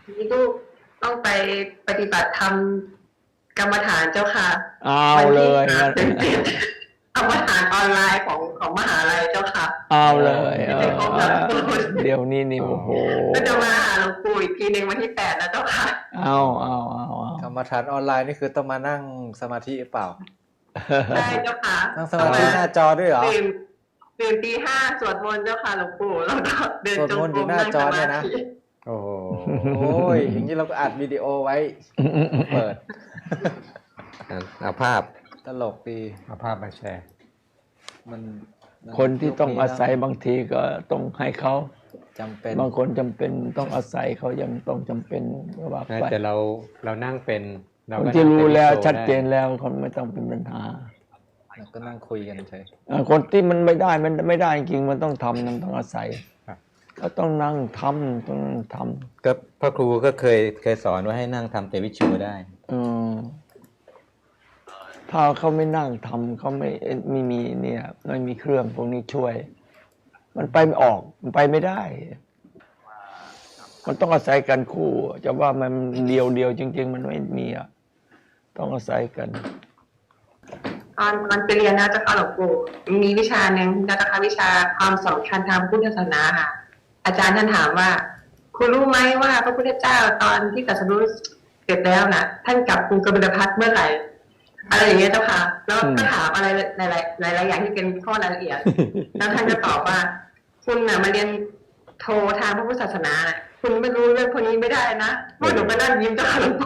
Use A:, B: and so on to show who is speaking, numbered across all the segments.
A: นี่ลูกต้องไปปฏิบัติธรรมกรรมฐานเจ้าค่ะ
B: เอา
A: วัน
B: เล
A: ที่
B: ยงั้น
A: กรรมฐานออนไลน์ของมหาลัยเจ้าค่ะ
B: เอาเลย
A: ที่จะครบหลักสูตร
B: เดี๋ยวนี้นี่โอ้โห
A: ก็จะมาหาหลวงปู่อีกทีหนึ่งวันที่8นะเจ้าค่ะ
B: เอา
C: กรรมฐานออนไลน์นี่คือต้องมานั่งสมาธิหรือเปล่า
A: ใช่เจ้าค่ะ
C: นั่งสมาธิหน้าจอด้วยเหรอ
A: ตื่นตี5สวดมนต์เจ้าค่ะหลวงปู่แล้วก็เดินจง
C: สวดมนต์
A: ก
C: อยู่
A: รม
C: หน้า
A: นั่ง
C: จ
A: ส
C: อ
A: มา
C: เนี่ยนะ
A: ธิ
C: โอ้โหอย่างนี้เราก็อัดวิดีโอไว้เปิด
D: เอาภาพ
C: ตลกดี
D: เอาภาพมาแชร์
C: มัน
B: คนที่ต้องอาศัยบางทีก็ต้องให้เขา
C: จำเป็น
B: บางคนจำเป็นต้องอาศัยเขายังต้องจำเป็นก็ว่าไป
D: แต่เรานั่งเป็นเรา
B: คน
D: ก็
B: ที่
D: นั่ง
B: รู้
D: เป็น
B: แล้ว
D: โชว์
B: ชัดเจน
D: ไ
B: แล้วคนไม่ต้องเป็นปัญหา
C: แล้วก็นั่งคุยกันเฉย
B: คนที่มันไม่ได้มันไม่ได้จริงมันต้องทำมันต้องอาศัย
D: ครับ
B: ก็ต้องนั่งทำต้องนั่งท
D: ก็พ่อครูก็เคยสอนว่าให้นั่งทำเตวิชูได้
B: ถ้าเขาไม่นั่งทำเขาไม่มีเนี่ยไม่มีเครื่องพวกนี้ช่วย มันไปไม่ออกมันไปไม่ได้ มันต้องอาศัยกันคู่จะว่ามันเดียวจริง ๆ มันไม่มีอ่ะต้องอาศัยกัน
A: ตอนไปเรียนนะเจ้าค่ะหลวงปู่มีวิชาหนึ่งนะเจ้าค่ะวิชาความสำคัญทางพุทธศาสนาค่ะ อาจารย์ท่านถามว่า คุณรู้ไหมว่าพระพุทธเจ้าตอนที่ตรัสรู้เสร็จแล้วน่ะ ท่านกลับกรุงกบิลพัสเมื่อไหร่ อะไรอย่างเงี้ยเจ้าค่ะ แล้วก็ถามอะไรหลายอย่างที่เป็นข้อรายละเอียด แล้วท่านก็ตอบว่า คุณน่ะมาเรียนโททางพระพุทธศาสนาน่ะคุณไม่รู้เรื่องพวกนี้ไม่ได้นะเพราะหนูก็นั่งยิ้มเจ้าค่ะหลวงปู่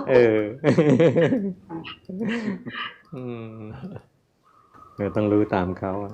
D: เราต้องรู้ตามเขาอะ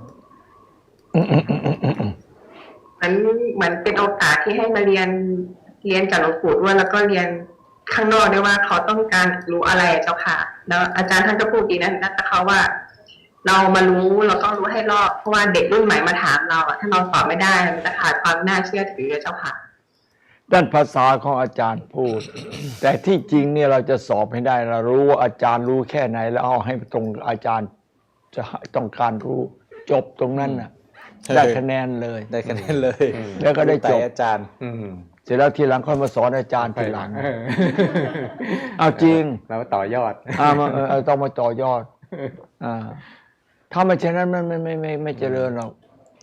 A: เหมือนเป็นโอกาสที่ให้มาเรียนกับหลวงปู่ด้วยแล้วก็เรียนข้างนอกด้วยว่าเขาต้องการรู้อะไรเจ้าค่ะ แล้วอาจารย์ท่านก็พูดดีนะแต่เขาว่า เรามารู้เราต้องรู้ให้รอบเพราะว่าเด็กรุ่นใหม่มาถามเราอะถ้าเราตอบไม่ได้มันจะขาดความน่าเชื่อถือเจ้าค่ะ
B: ด้านภาษาของอาจารย์พูด แต่ที่จริงเนี่ยเราจะสอบให้ได้เรารู้ว่าอาจารย์รู้แค่ไหน แล้วเอาให้ตรงอาจารย์จะต้องการรู้จบตรงนั้นน่ะได้คะแนนเลย
C: ได้คะแนนเลย
B: แล้วก็ได้จบ
C: อาจารย์
B: เสร็จแล้วทีหลังค่อยมาสอนอาจารย์ทีหลัง เอาจริง
D: เราต่อยอด
B: ต้องมาต่อยอดถ้าไม่เช่นนั้นมันไม่เจริญหรอก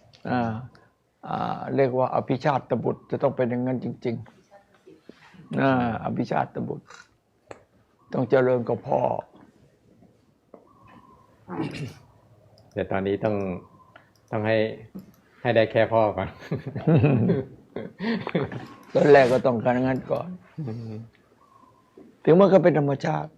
B: เรียกว่าอภิชาติบุตรจะต้องเป็นอย่างนั้นจริงๆอภิชาติบุตร ต้องเจริญกับพ่อ
D: แต่ตอนนี้ต้องให้ได้แค่พ่อก่อน
B: ตอนแรกก็ต้องการงั้นก่อน ถึงมันก็เป็นธรรมชาติ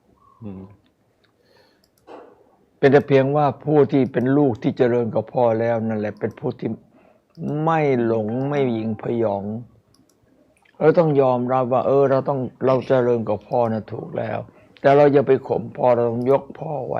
B: เป็นแต่เพียงว่าผู้ที่เป็นลูกที่เจริญกับพ่อแล้วนั่นแหละเป็นผู้ที่ไม่หลงไม่หยิ่งพยองเราต้องยอมรับว่าเราเจริญกับพ่อนะถูกแล้ว แต่เราอย่าไปข่มพ่อเราต้องยกพ่อไว้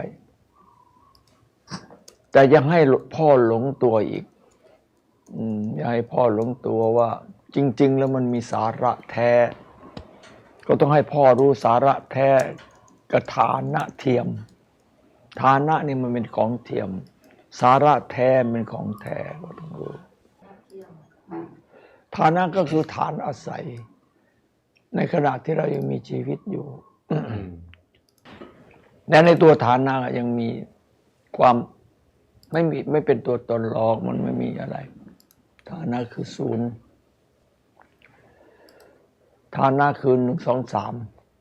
B: แต่ยังให้พ่อหลงตัวอีกอย่าให้พ่อหลงตัวว่า จริง ๆ แล้วมันมีสาระแท้ ก็ต้องให้พ่อรู้สาระแท้กับฐานะเทียมฐานะนี่มันเป็นของเทียม สาระแท้เป็นของแท้ก็ต้องรู้ฐานะก็คือฐานอาศัย ในขณะที่เรายังมีชีวิตอยู่และในตัวฐานะยังมีความไม่เป็นตัวตนหรอกมันไม่มีอะไรฐานะคือศูนย์ฐานะคือ1 2 3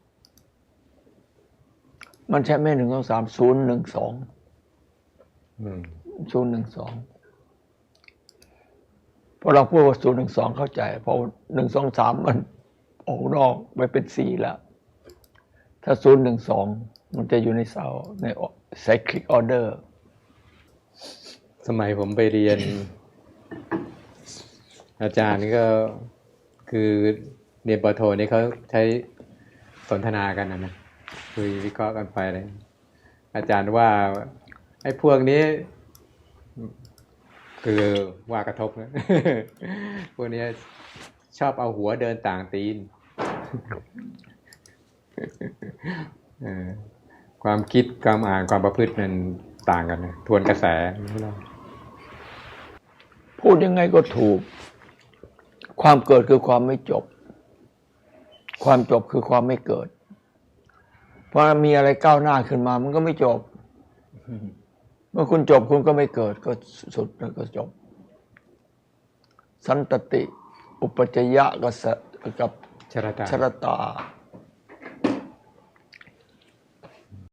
B: มันใช่ไม่1 2 3 0 1 2 0 1 2พอเราพูดว่า0 1 2เข้าใจพอ1 2 3มันออกนอกไปเป็น4แล้วถ้า0 1 2มันจะอยู่ในเสาใน cyclic order
D: สมัยผมไปเรียน อาจารย์นี่ก็คือเรียนปโทนี่เขาใช้สนทนากันนะคุยวิเคราะห์กันไปเลยอาจารย์ว่าไอ้พวกนี้ คือว่ากระทบนะ พวกนี้ชอบเอาหัวเดินต่างตีน ความคิดความอ่านความประพฤติมันต่างกันนะทวนกระแส
B: พูดยังไงก็ถูก ความเกิดคือความไม่จบความจบคือความไม่เกิด เพราะมีอะไรก้าวหน้าขึ้นมามันก็ไม่จบ เมื่อคุณจบคุณก็ไม่เกิดก็สุดแล้วก็จบ สันตติ อุปจจยะกับ
D: ชรตา
B: ชรตา